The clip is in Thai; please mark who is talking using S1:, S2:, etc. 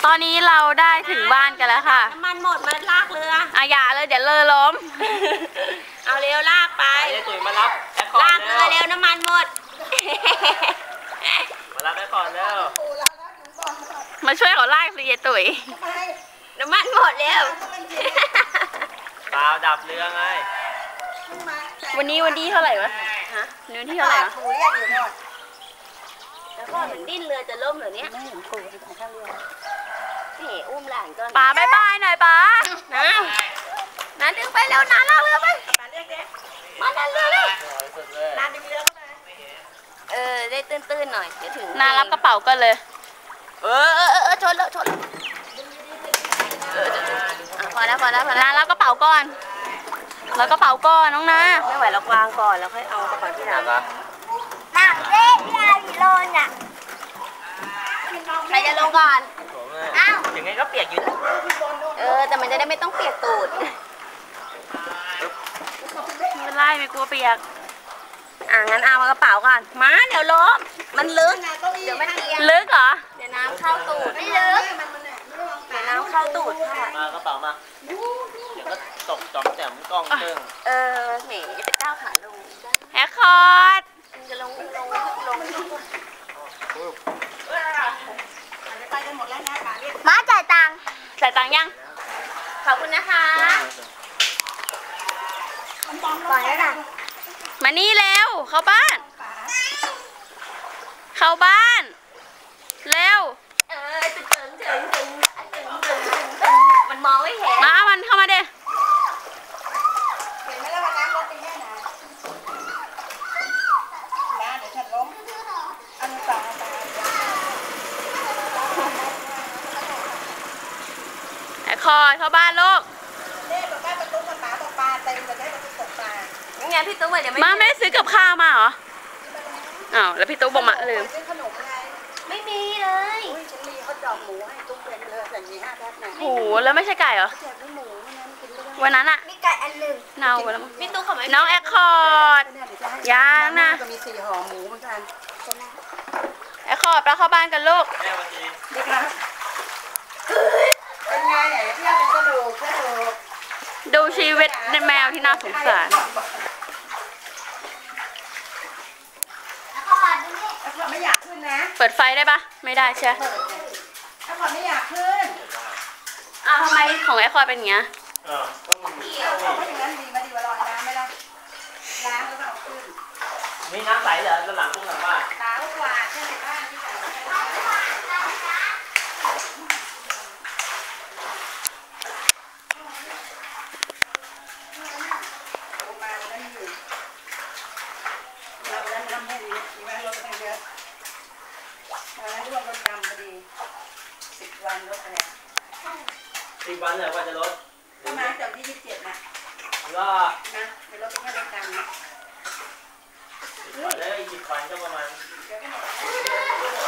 S1: อนนี้เราได้ถึงบ้านกันแล้วค่ะ
S2: น้ำมันหมดมาลากเรือ
S1: อย่าเลยเดี๋ยวเรือล้ม
S2: เอาเร็วลากไป
S3: ตุ๋ยมารับ
S2: ลากเรือเร็วน้ำมันหมด
S3: มารับได้ก่อนแล้ว
S1: มาช่วยเขาลากสิยายตุ๋ย
S2: น้ำมันหมดแล้ว
S3: เปล่าดับเรือไง
S1: วันนี้เท่าไหร่วะฮะวันที่เท่าไหร่วะ
S2: แล้วก็มันดิ้นเรือจะล่มเหรอเนี่ยไม่เห็นปู่ของข้างเรือนี่อุ้มหลานก่อน
S1: ป๋าบายบายหน่อยป๋า
S2: น้าดึงไปเร็วน้าลากเรือไปมาดันเรือเลยน้าดึงเรือเข้าไปได้ตื้นๆหน่อยเดี๋ยวถึง
S1: น้ารับกระเป๋าก็เลย
S2: ชนแล้วพอแล้ว
S1: น้ารับกระเป๋าก่อนแล้วกระเป๋าก่อนน้องนา
S2: ไม่ไหวเราวางก่อนแล้วค่อยเอากระเป๋าที่หลังหนักเล่นยาโลนอ่ะใครจะลงก่อน
S3: อ้าวยังไงก็เปียกอยู่
S2: แต่มันจะได้ไม่ต้องเปียกตูด
S1: ไม่เป็นไรไม่กลัวเปียก
S2: งั้นเอากระเป๋าก่อนมาเดี๋ยวล้มมันลึกเดี๋ยวมันเอียง
S1: ลึกเหรอ
S2: เดี๋ยวน้ำเข้าตูดไม่ลึกเดี๋ยวน้ำเข้าตูดค่ะ
S3: มากระเป๋ามาเดี๋ยวก็ตกจ่อมแจ่มกล้องตึ้ง
S2: เหม่จะไปก้าวขาลง
S1: แฮคคอร์ด
S2: จะลงมาจ่ายตังค์
S1: ยัง
S2: ขอบคุณนะคะปล่อยแล้วนะ
S1: มานี่เร็วเข้าบ้านเร็ว
S2: มันมองไม่เห็น
S1: มันเข้ามาเด้
S2: เห็นไหมล่ะว่าน้ำรถเป็นแค่ไหนนะเดี๋ยวฉันล้มอันนี้ต่อ
S1: แฮคคอร์ดเข้าบ้านลูก
S2: เล่บอกว่าประตูปลาเต็มจะได้ประตูตกปลางั้นพี่ตุ๊กเดี๋ยว
S1: ไม่ได้ซื้อกับข้าวมาเหรอแล้วพี่ตุ๊กบอกมาลืม
S2: ไม่มีเลยฉันมีข้าวจอกหมูให้ตุ๊กเป็นเลยแต่มี5 แพ็คนะ
S1: โหแล้วไม่ใช่ไก่เหรอวันนั้นอะ
S2: มีไก่อันหนึ่ง
S1: เน่าแล้ว
S2: พี่ตุ๊กเขาไม่
S1: น้องแอคคอร์ดยังนะ
S2: จะมี4 ห่อหมูเหมือนกัน
S1: แอคคอร์ดไปเข้าบ้านกันลูก
S2: ดีครับเป็นไงเที่ยวเป็นกระดูก
S1: ดูชีวิตในแมวที่น่าสงสาร
S2: ไม่อยากขึ้นนะ
S1: เปิดไฟได้ปะไม่ได้ใช่
S2: ถ้าก่อนไม่อยากขึ้น
S1: ทำไมของแอคคอร์ดเป็นอย่างเงี้ย
S2: เพราะอย่างนั้นดีมาดีกว่าลอยน้ำไม่ได้ล้างแล้วก็เอาขึ้น
S3: มีน้ำใสเหรอหลังบ้าน
S2: ล้างกว่าใช่ไหมบ้านที่ใส่วันลดอะไร
S3: 10 วันเลยว่าจะลด
S2: ประมาณจากที่27นะ
S3: ก็
S2: นะจะลดไปแค่เล็กน้อย
S3: แล้วอีก10 วันก็ประมาณ